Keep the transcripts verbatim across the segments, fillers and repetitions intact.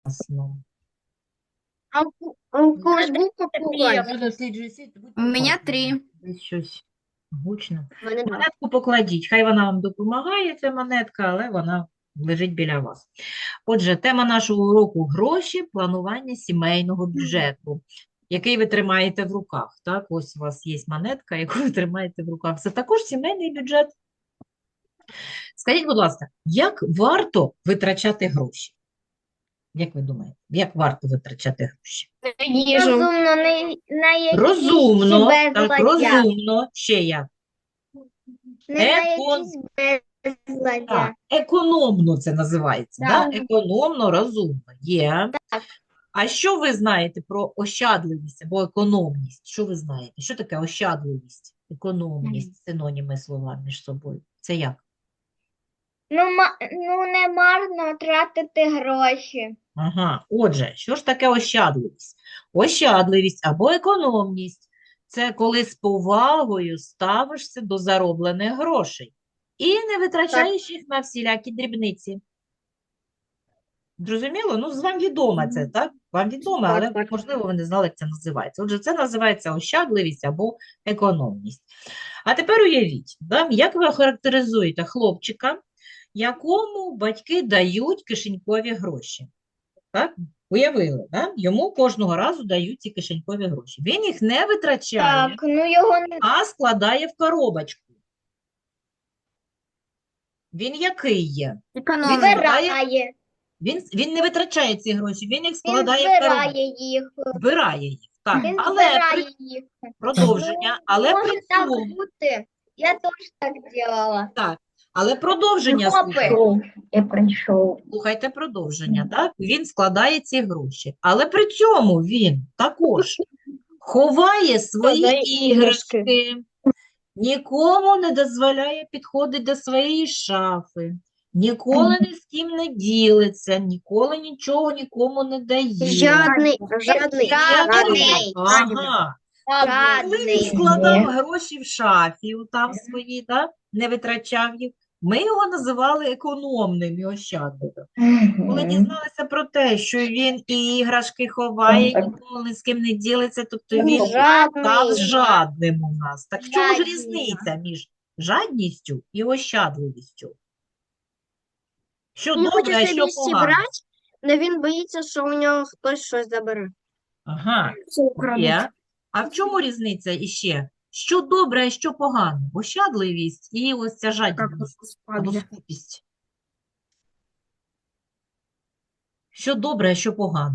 Ясно. А у а у когось був Я попугай? досліджую світ, будьте У меня уважні. три. Десь щось гучно. У мене два. Монетку покладіть. Хай вона вам допомагає, ця монетка, але вона лежить біля вас. Отже, тема нашого уроку – гроші, планування сімейного бюджету, який ви тримаєте в руках. Так, ось у вас є монетка, яку ви тримаєте в руках. Це також сімейний бюджет. Скажіть, будь ласка, як варто витрачати гроші? Як ви думаєте, як варто витрачати гроші? Їжу. Розумно, не на якісь Розумно, так, безладдя. розумно. Ще як? Не на Екон- якісь безладдя. Так, економно це називається, Так. да? Економно, розумно. Є. Так. А що ви знаєте про ощадливість або економність? Що ви знаєте? Що таке ощадливість, економність, синоніми слова між собою? Це як? Ну, ма- ну, не марно тратити гроші. Ага, отже, що ж таке ощадливість? Ощадливість або економність – це коли з повагою ставишся до зароблених грошей і не витрачаєш їх на всілякі дрібниці. Зрозуміло? Ну, з вам відомо це, так? Вам відомо, Так, але, так. можливо, ви не знали, як це називається. Отже, це називається ощадливість або економність. А тепер уявіть, да, як ви охарактеризуєте хлопчика, якому батьки дають кишенькові гроші. Так? Уявили, да? Йому кожного разу дають ці кишенькові гроші. Він їх не витрачає, Так, ну його не а складає в коробочку. Він який є? Экономный. збирає. Він, він не витрачає ці гроші, він їх Він складає в коробочку. збирає їх. Збирає їх. Так, Він але при збирає їх. продовження, але при Може так цьому, бути. Я теж так робила. так, але продовження, Хлопець. слухайте, Я прийшов. слухайте продовження, так? Він складає ці гроші, але при цьому він також ховає свої Складає іграшки. іграшки, нікому не дозволяє підходити до своєї шафи, ніколи ні з ким не ділиться, ніколи нічого нікому не дає. Жадний, жадний, Жадний. Ага. Коли він Жадний. складав гроші в шафі, там свої, да, не витрачав їх, ми його називали економним і ощадливим. Коли дізналися про те, що він і іграшки ховає, ніколи ні з ким не ділиться, тобто він став Жадний. жадним у нас. Так в чому ж Жадний. різниця між жадністю і ощадливістю? Що Він добре, хоче а що собі погано? зібрати, але він боїться, що у нього хтось щось забере. Ага. Все украдуть. Є. А в чому різниця іще? Що добре, а що погано? Ощадливість і ось ця жадібність або скупість. Що добре, а що погано?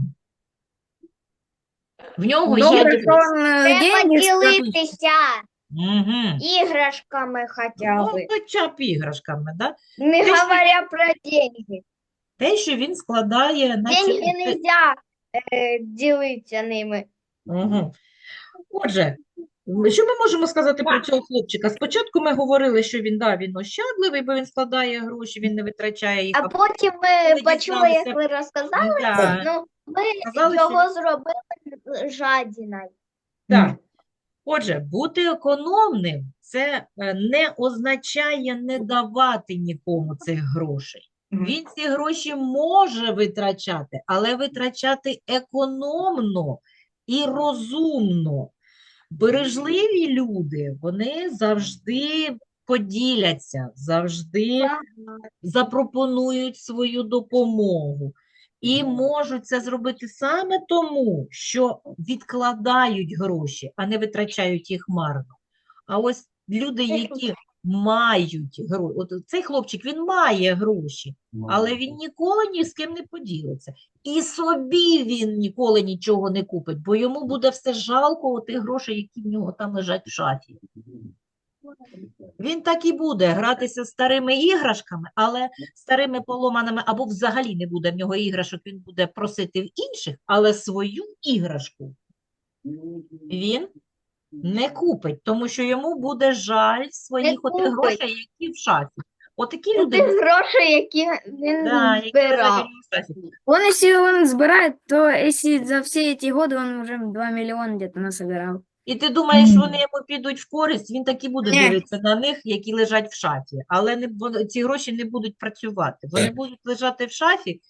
В нього є Добре, дивись. что он э, Треба деньги складывает. ділитися Мгм. іграшками хоча Ну, б. хоча б іграшками, да? Не Те, що- говоря про деньги. Те, що він складає на ці... Деньги не можна е, ділитися ними. Угу. Отже, що ми можемо сказати про цього хлопчика? Спочатку ми говорили, що він, да, він ощадливий, бо він складає гроші, він не витрачає їх. А потім ми коли почули, дізналися- як ви розказали, Да. ну ми Сказали, що- його зробили жадіною. Так. Отже, бути економним – це е, не означає не давати нікому цих грошей. Він ці гроші може витрачати, але витрачати економно і розумно. Бережливі люди, вони завжди поділяться, завжди запропонують свою допомогу. І можуть це зробити саме тому, що відкладають гроші, а не витрачають їх марно. А ось люди, які мають гроші, от цей хлопчик, він має гроші, але він ніколи ні з ким не поділиться. І собі він ніколи нічого не купить, бо йому буде все жалко тих грошей, які в нього там лежать в шафі. Він так і буде гратися з старими іграшками, але старими поломаними, або взагалі не буде в нього іграшок, він буде просити в інших, але свою іграшку він не купить, тому що йому буде жаль своїх отих купить. грошей, які в шафі. Отакі Тих люди, грошей, які він да, які лежать у збирав. нього в шафі. Он, если он собирает, то если за все эти годы он уже два миллиона где-то насобирал. І ти думаєш, вони йому підуть в користь, він так і буде Ні. дивитися на них, які лежать в шафі. Але не, вон- ці гроші не будуть працювати. Вони будуть лежати в шафі,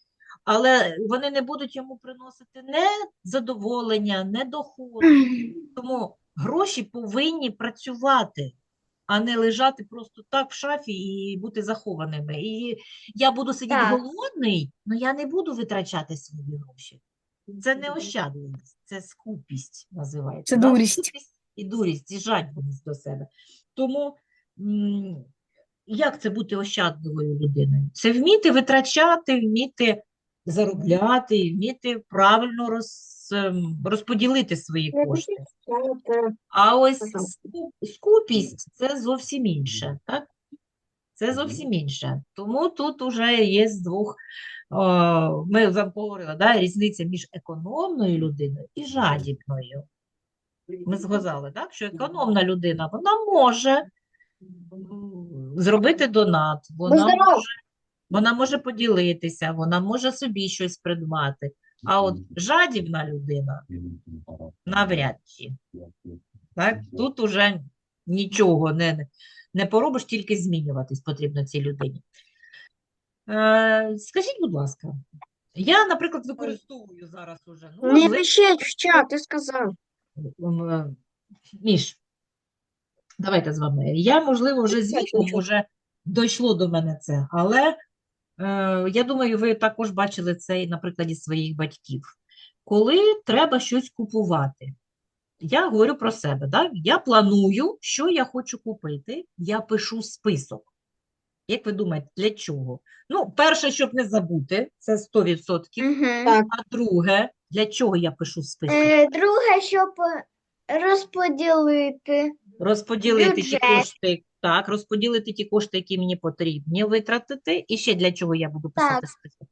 але вони не будуть йому приносити не задоволення, не доходу. Тому гроші повинні працювати, а не лежати просто так в шафі і бути захованими. І я буду сидіти Так. голодний, але я не буду витрачати свої гроші. Це не ощадливість, це скупість називається. Це да? дурість. Скупість і дурість, і жадібність до себе. Тому м, як це бути ощадливою людиною? Це вміти витрачати, вміти заробляти, вміти правильно роз, ем, розподілити свої кошти. А ось скуп- скупість – це зовсім інше, так? Це зовсім інше. Тому тут уже є з двох, о, ми вже говорили, да, різниця між економною людиною і жадібною. Ми згадали, так, що економна людина, вона може м, зробити донат, вона здоров. може, вона може поділитися, вона може собі щось придбати. А от жадібна людина навряд чи. Так? Тут уже нічого не, не поробиш, тільки змінюватись потрібно цій людині. Е, скажіть, будь ласка, я, наприклад, використовую зараз уже, ну, Не можливо, пишіть в чат, ти сказав. м, е, Міш, давайте з вами. Я, можливо, вже з віком вже дійшло до мене це, але е, я думаю, ви також бачили це і на прикладі своїх батьків. Коли треба щось купувати, я говорю про себе, да? Я планую, що я хочу купити, я пишу список. Як ви думаєте, для чого? Ну, перше, щоб не забути, це сто відсотків. Угу. Так. А друге, для чого я пишу список? Е, друге, щоб розподілити. Розподілити ті бюджет. кошти, так, розподілити ті кошти, які мені потрібні витратити. І ще для чого я буду писати Так. список?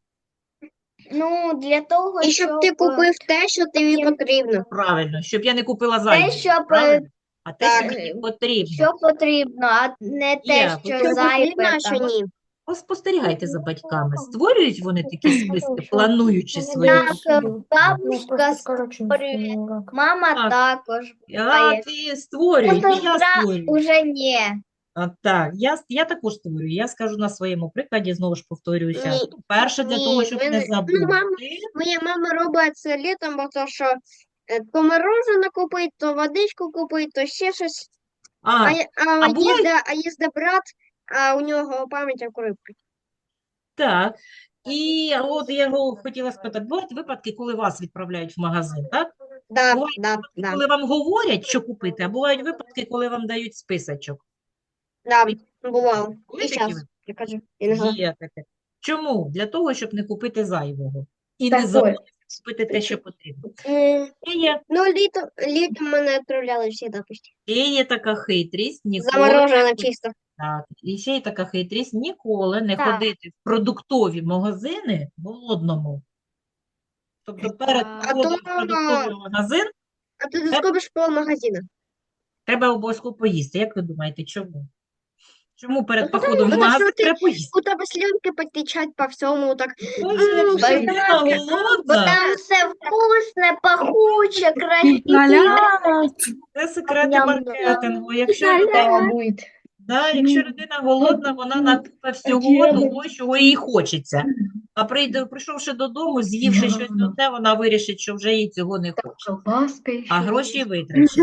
Ну, для того, І щоб ти купив те, що тобі потім- потрібно. Правильно, щоб я не купила те, зайвого, що, по- правильно? А те, що так. мені потрібно. що потрібно, а не те, Є, що потрібно, Що зайве. потрібно, а що там. ні. Поспостерігайте за батьками. Створюють вони такі списки, плануючи свої Так, покупки? бабушка створює, мама Так. також. А, буває. ти створюють, і я Сестра створюю. уже ні. А, так, я, я також створюю. Я скажу на своєму прикладі, знову ж повторююся. Ні, Перше, для ні, того, щоб ви не не- ну, забути. мама- Моя мама робить це літом, бо то, що е, то мороженое купить, то водичку купить, то ще щось. А, А, я- а, а буває- їзде, а їзде брат, а у нього пам'ять як у рибки. так. І от я його хотіла спитати, бувають випадки, коли вас відправляють в магазин, так? Да, Бувають да, випадки, да, коли вам говорять, що купити, а бувають випадки, коли вам дають списочок. да, бувало. Були І такі зараз, ви- я кажу, іногда. Є таке. Чому? Для того, щоб не купити зайвого. І Так не ось. забути купити те, що потрібно. М, І є, Ну, літом, літом мене відправляли всі почти. і є така хитрість, ніколи Заморожено не чисто. Так, і ще й така хитрість, ніколи не Так. ходити в продуктові магазини в голодному. Тобто перед А походом то- в продуктовий магазин А ти заскобиш пол магазину. треба обов'язково поїсти. Як ви думаєте, чому? Чому перед Ну, потому- походом в потому магазин що ти- треба поїсти? У тебе слюнки потечать по всьому, так. Ой, М, якщо бо людина так, Бо голодна, там все вкусне, пахуче, красиве. це секрети Ням-ням. маркетингу. Якщо людина, да, якщо людина голодна, вона накупе всього того, чого їй хочеться. А прийде, прийшовши додому, з'ївши щось одне, вона вирішить, що вже їй цього не хоче. А гроші витрачить.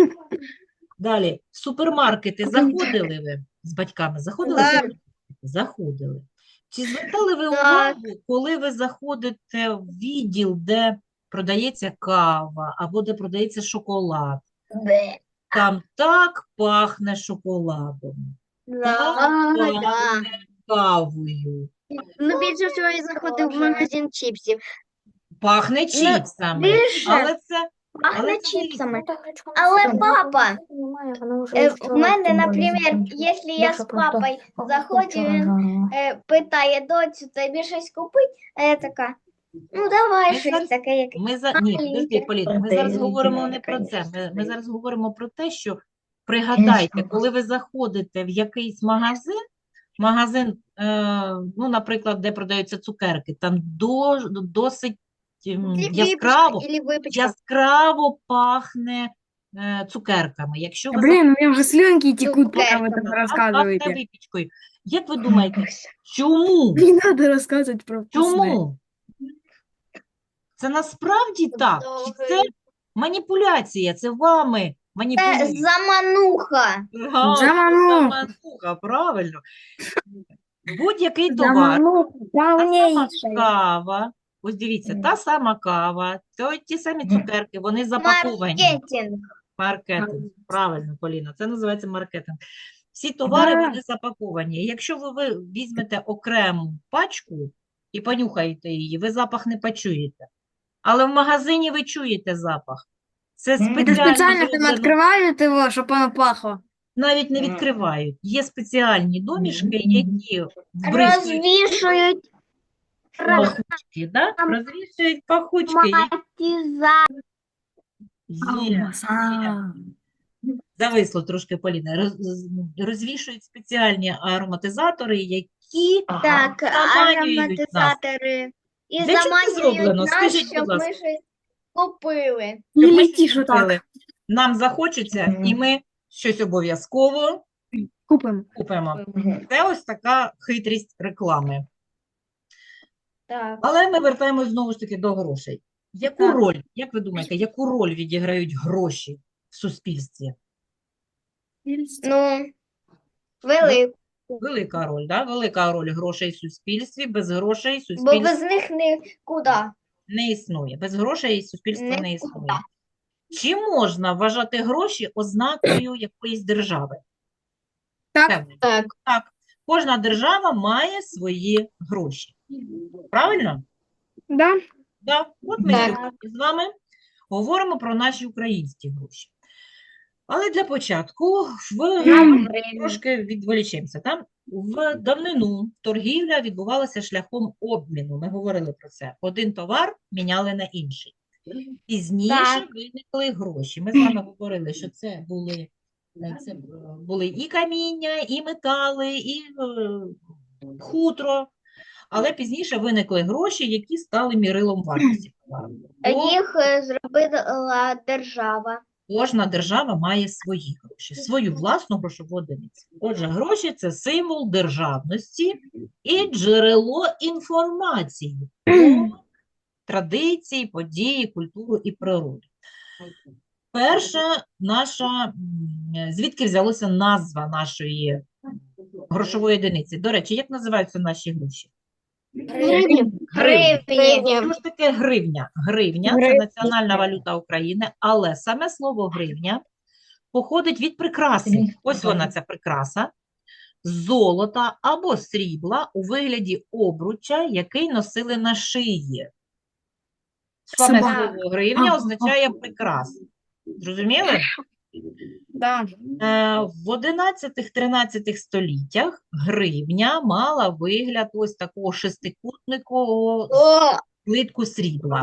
Далі, в супермаркети заходили ви з батьками? Заходили? в Так. супермаркети? Заходили. Чи звертали ви Так. увагу, коли ви заходите в відділ, де продається кава або де продається шоколад? Бе. Там так пахне шоколадом, Да. так А, да. пахне кавою, Ну, більше всього я заходив в Боже. магазин чіпсів. пахне чіпсами. більше Але це, Пахне але це чіпсами. Але папа, е, в мене, наприклад, якщо я з папою заходжу, він е, питає доцю, тобі щось купить, а я така, ну давай Ми щось зараз- таке, яке. Ми за... Ні, подожди, Маленьке. Поліна, ми зараз говоримо не про це. Ми, ми зараз говоримо про те, що пригадайте, коли ви заходите в якийсь магазин, магазин, е, ну, наприклад, де продаються цукерки, там до, досить ем, Или яскраво, випічка, или випічка. яскраво пахне е, цукерками. Якщо ви Блин, у меня уже слюнки текут, пока вы Цукерками, так заходите, а пахне рассказываете. випічкою. Як ви думаєте, чому? Не надо рассказывать про вкусное. Чому? Це насправді так? Чи це маніпуляція? Це вами Це маніпулюють? замануха. Ага, це Замануха. замануха, правильно. Будь-який товар, Замануха, та сама давнейшая. кава, ось дивіться, та сама кава, то ті самі цукерки, вони запаковані. Маркетинг. Маркетинг, правильно, Поліна, це називається маркетинг. Всі товари, Да. вони запаковані. І якщо ви, ви візьмете окрему пачку і понюхаєте її, ви запах не почуєте. Але в магазині ви чуєте запах. Це Это спеціально специально там зроблено, открывают его, чтобы оно пахло. навіть не відкривають. Є спеціальні домішки, які вбризкують Розвішують пахучки, да? Розвішують пахучки. матіза. Є, є. Зависло трошки, Поліна. Роз, розвішують спеціальні ароматизатори, які Так, заманюють нас. ароматизатори. І Для чого це заманюють зроблено? нас, Скажіть, будь щоб ласка. ми щось купили. Не Щоб ми летишь щось вот так. купили. Нам захочеться, і ми щось обов'язково Купим. купимо. Це ось така хитрість реклами. Так. Але ми вертаємось знову ж таки до грошей. Яку Так. роль, як ви думаєте, яку роль відіграють гроші в суспільстві? Ну, велику. Велика роль, да? Велика роль грошей в суспільстві. Без грошей Бо суспільство без них нікуди. не існує. Без грошей суспільство не Нікуди. існує. Чи можна вважати гроші ознакою якоїсь держави? Так. Певно. Так. Так. Кожна держава має свої гроші. Правильно? Да? Да. От ми Так. сьогодні з вами говоримо про наші українські гроші. Але для початку в трошки відволічемося. Там в давнину торгівля відбувалася шляхом обміну. Ми говорили про це. Один товар міняли на інший. Пізніше Так. виникли гроші. Ми з вами говорили, що це були, е, це е, були і каміння, і метали, і е, хутро. Але пізніше виникли гроші, які стали мірилом вартості товару. Бо Їх е, зробила держава. кожна держава має свої гроші, свою власну грошову одиницю. Отже, гроші – це символ державності і джерело інформації про традиції, події, культуру і природу. Перша наша, м, звідки взялася назва нашої грошової одиниці? До речі, як називаються наші гроші? Гривні. Гривні. Що ж таке гривня? Гривня – це національна валюта України, але саме слово гривня походить від прикраси. Ось вона, ця прикраса. З золота або срібла у вигляді обруча, який носили на шиї. Саме Собака. слово гривня означає прикрасу. Зрозуміли? Да. Е, В одинадцятому-тринадцятому століттях гривня мала вигляд ось такого шестикутникового О, злитку срібла.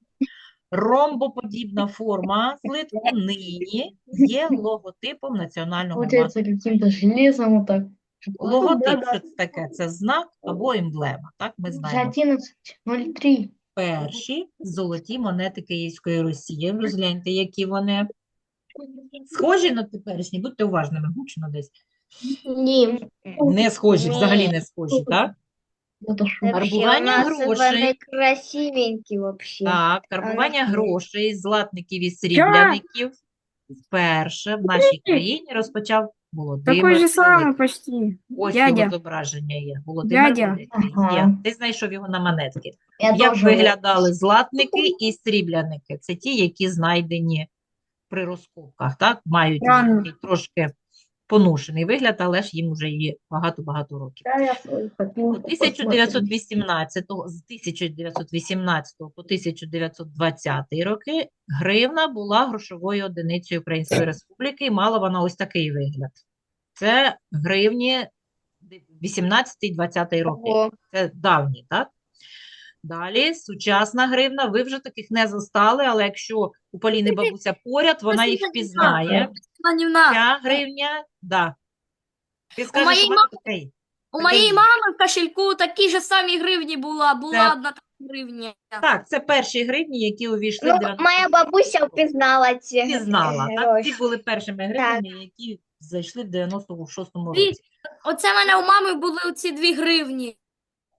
Ромбоподібна форма злитку нині є логотипом Національного Получается банку. каким-то железом вот так. Логотип, що це таке? Це знак або емблема, так ми Уже знаємо. одиннадцать ноль три. Перші золоті монети Київської Росії. Розгляньте, які вони схожі на теперішні. Будьте уважними, гучно десь. ні. Не схожі, взагалі не схожі, так? Это что? Вообще, у Карбування нас грошей. вони красивенькі вообще. Так, карбування Ага. грошей, златників і срібляників вперше в нашій країні розпочав Володимир Такой же Великий. самый почти. Ось його Дядя. зображення є. Володимир Дядя. Великий Ага. є. Ти знайшов його на монетки. Я Як тоже виглядали златники і срібляники? Це ті, які знайдені при розкопках, так? Мають Правильно. такий трошки поношений вигляд, але ж їм вже є багато-багато років. Да, я свой хотел У тисяча дев'ятсот вісімнадцятого, з тисяча дев'ятсот вісімнадцятого по тисяча дев'ятсот двадцяті роки гривна була грошовою одиницею Української Республіки і мала вона ось такий вигляд. Це гривні вісімнадцятий-двадцятий роки. Ого. Це давні, так? Далі, сучасна гривна, ви вже таких не застали, але якщо у Поліни бабуся поряд, вона їх впізнає. Анівна, Ця гривня, да. Ти скажеш, моєї у мене такий. У Такий моєї є. мами в кошельку такі ж самі гривні була, була Це- одна така гривня. Так, це перші гривні, які увійшли Ну, в дев'яносто моя бабуся впізнала ці Ти знала, так? гроші. Ці були першими гривнями, які зайшли в дев'яносто шостому Дві. році. Оце в мене у мами були оці дві гривні.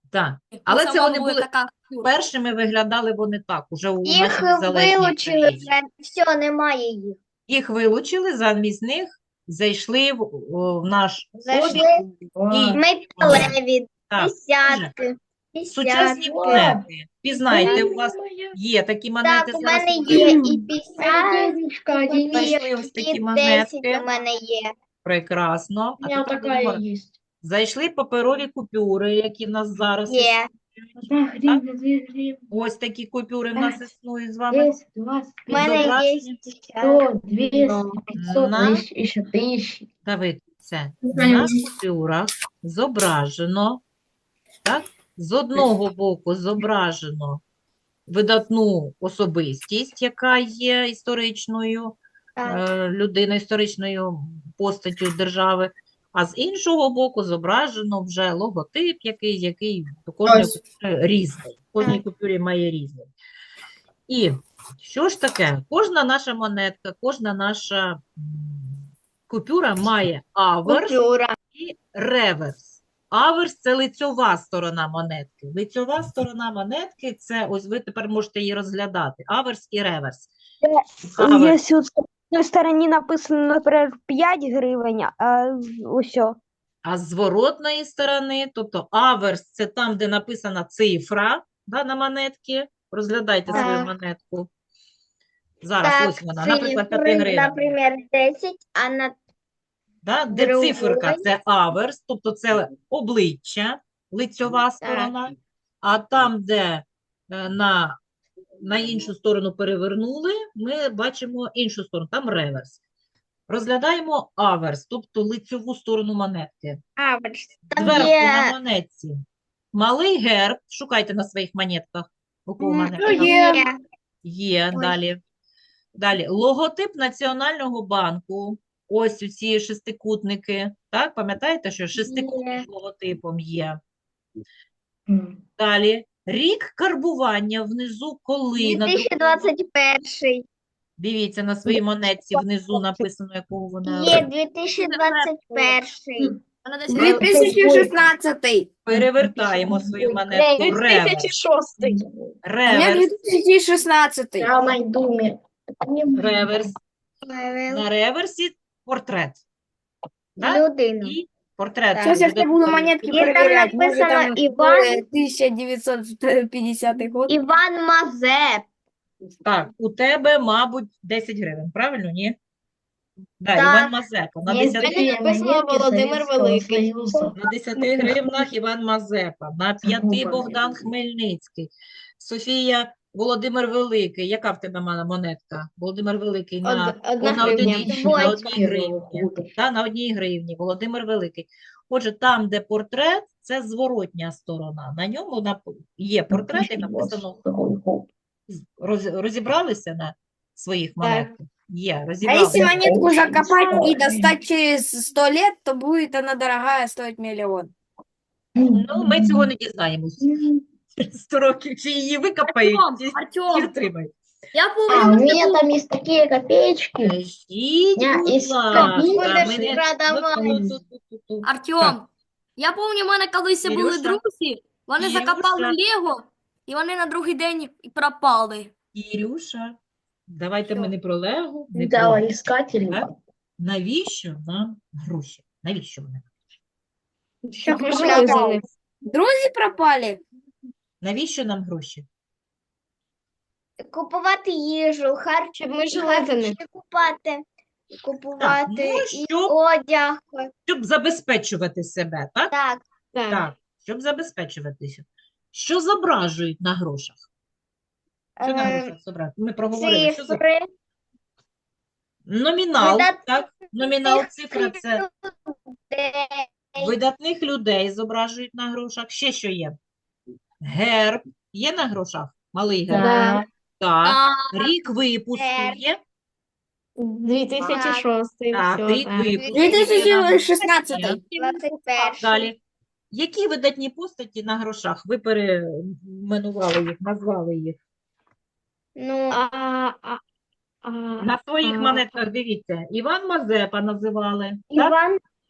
Так. Але це Сама вони буде були така першими, виглядали вони так, уже у Їх нашій незалежній вилучили Україні. вже, все, немає їх. Їх вилучили, замість них зайшли в, о, в наш Зайшли обіг. Два. металеві, Так, десятки, сучасні десятки. монети. Пізнаєте, у вас Моя. є такі монети Так, у зараз. мене у є нас і п'ятдесят, Денежка, денежка. Знайшли ось такі і десять монетки. у мене є. Прекрасно. У А меня тепер такая будемо- есть. Зайшли паперові купюри, які в нас зараз Є. існують. Одна гривна, две гривны. Ось такі купюри в нас П'ять, існують з вами. десять, двадцать, У мене є Зображені. сто, двести, пятьсот, На. тысяч, еще тысячи. Давид, це Знаю. на купюрах зображено, так? З одного боку зображено видатну особистість, яка є історичною Так. е, людиною, історичною постаттю держави, а з іншого боку зображено вже логотип якийсь, який у кожної Ось. купюри різний. В кожній купюрі має різний. І що ж таке? Кожна наша монетка, кожна наша м, купюра має аверс Купюра. і реверс. Аверс – це лицьова сторона монетки. Лицьова сторона монетки – це, ось ви тепер можете її розглядати. Аверс і реверс. Аверс. Если с одной стороны написано, например, п'ять гривень, а усьо. А з зворотної сторони, тобто аверс – це там, де написана цифра, да, на монетці. Розглядайте свою Так. монетку. Зараз, Так, ось вона, наприклад, цифри, п'ять гривень. наприклад, десять, а на Да? Де Другої. циферка – це аверс, тобто це обличчя, лицьова сторона. А там, де е, на, на іншу сторону перевернули, ми бачимо іншу сторону, там реверс. Розглядаємо аверс, тобто лицьову сторону монетки. аверс. Там Зверху є на монетці малий герб, шукайте на своїх монетках. У кого М, монетка? є. Є, Ой. далі. Далі, логотип Національного банку. Ось у ці шестикутники. Так, пам'ятаєте, що шестикутник Є. з логотипом є. М. Далі, рік карбування внизу, коли на дві тисячі двадцять перший. Дивіться, на своїй монетці внизу написано, якого вона. Є дві тисячі двадцять перший. Вона десь дві тисячі шістнадцятий. Перевертаємо свою монетку. Реверс. У мене Реверс. дві тисячі шістнадцятий. Я найду мне. Реверс. На реверсі портрет. Да? Людину. І портрет. Так. Зараз я ще буду монетки Є там перевіряти. Може, написано там Іван. е, тисяча дев'ятсот п'ятдесятий год. Іван Мазеп. Так, у тебе, мабуть, десять гривень, правильно, ні? Да, Так. Іван Мазепа. На Есть 10, такие написано монетки Володимир Советского Великий. Союза. на десяти гривнах Іван Мазепа, на п'яти губа. Богдан Хмельницький, Софія Володимир Великий. Яка в тебе мала монетка? Володимир Великий на, Од- одна о, на гривня. одиничці, на Двоє. одній гривні. Та, на одній гривні. Володимир Великий. Отже, там, де портрет, це зворотня сторона. На ньому нап- є портрет і написано Роз- розібралися на своїх монетках? Є, А если розібралися. монетку закопать и достать через сто лет, то будет она дорогая, стоить миллион. Ну, ми цього не дізнаємось. Через сто років, чи її викопають, чи, чи Артем, втримають. я А, помню, у ми меня були- там есть такие копеечки. Кажіть, Я будь із ласка, кабінки ми будеш не- продавати. ну, ту- ту- ту- ту. Артем, я пам'ятаю, в мене колись були Ірюша. друзі, вони Ірюша. закопали Лего, і вони на другий день і пропали. Ірюша, давайте ми Що? не про Лего, не про... Давай, искатели. Так? Навіщо нам гроші? Навіщо вони? Щоб Купляти. жили за них. Друзі пропали. Навіщо нам гроші? Купувати їжу, харч... Щоб ми жили за них. харчі купати, купувати ну, і щоб- одяг. Щоб забезпечувати себе, так? Так, Так, щоб забезпечуватися. Що зображують на грошах? Що на е, грошах зображують? Ми проговорили, що зображують? цифри, Номінал, Видатних так? Номінал, цифра – це людей, видатних людей зображують на грошах. Ще що є? Герб є на грошах? Малий герб? Да. Так. А, Рік випуску Герб. є? дві тисячі шостий. Так, рік випуску дві є на тисячі грошах. шістнадцятий. двадцять перший. Далі. Які видатні постаті на грошах? Ви перейменували їх, назвали їх. Ну, А, а, а, На своїх а. монетках дивіться. Іван Мазепа називали. Так? Іван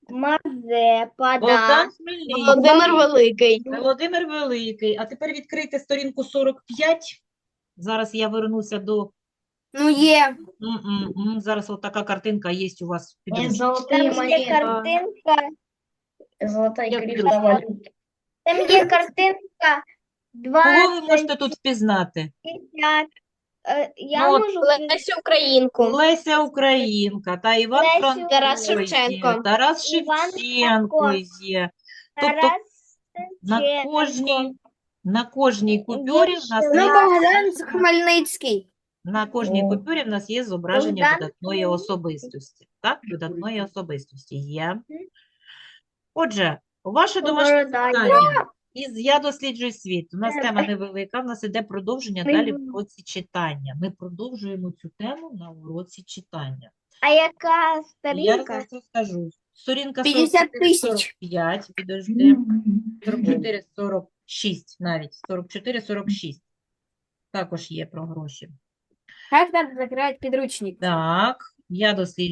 Мазепа, Богдан да. Хмельницький. Володимир Великий. Володимир Великий. А тепер відкрийте сторінку сорок п'ять. Зараз я вернуся до... Ну, є. М-м-м. Зараз от така картинка є у вас в Есть підручнику. золотые Там є монеты. картинка, Золотая Я криптовалюта. там є картинка Кого ви двадцять можете тут впізнати? п'ятдесят. Е, Я Ну, от можу Лесю Українку. Леся Українка та Іван Лесю Франко Тарас є, Шевченко. Тарас Іван Шевченко Франко. є. Тобто Тарас на Шевченко. кожній, на кожній купюрі в нас Ну, є, Богдан Хмельницький. на кожній О. купюрі в нас є зображення Богдан видатної особистості. Так, видатної особистості є. Отже, ваше домашнє Борода є. завдання із «Я досліджую світ». У нас Е, тема е. невелика, в нас іде продовження Ми далі в будемо. уроці читання. Ми продовжуємо цю тему на уроці читання. А яка Я сторінка? зараз розкажу. Сторінка п'ятдесят сорок чотири сорок тисяч. п'ять, підожди, сорок чотири сорок шість навіть, сорок чотири сорок шість. Також є про гроші. Як треба закривати підручник? Так, я досліджую.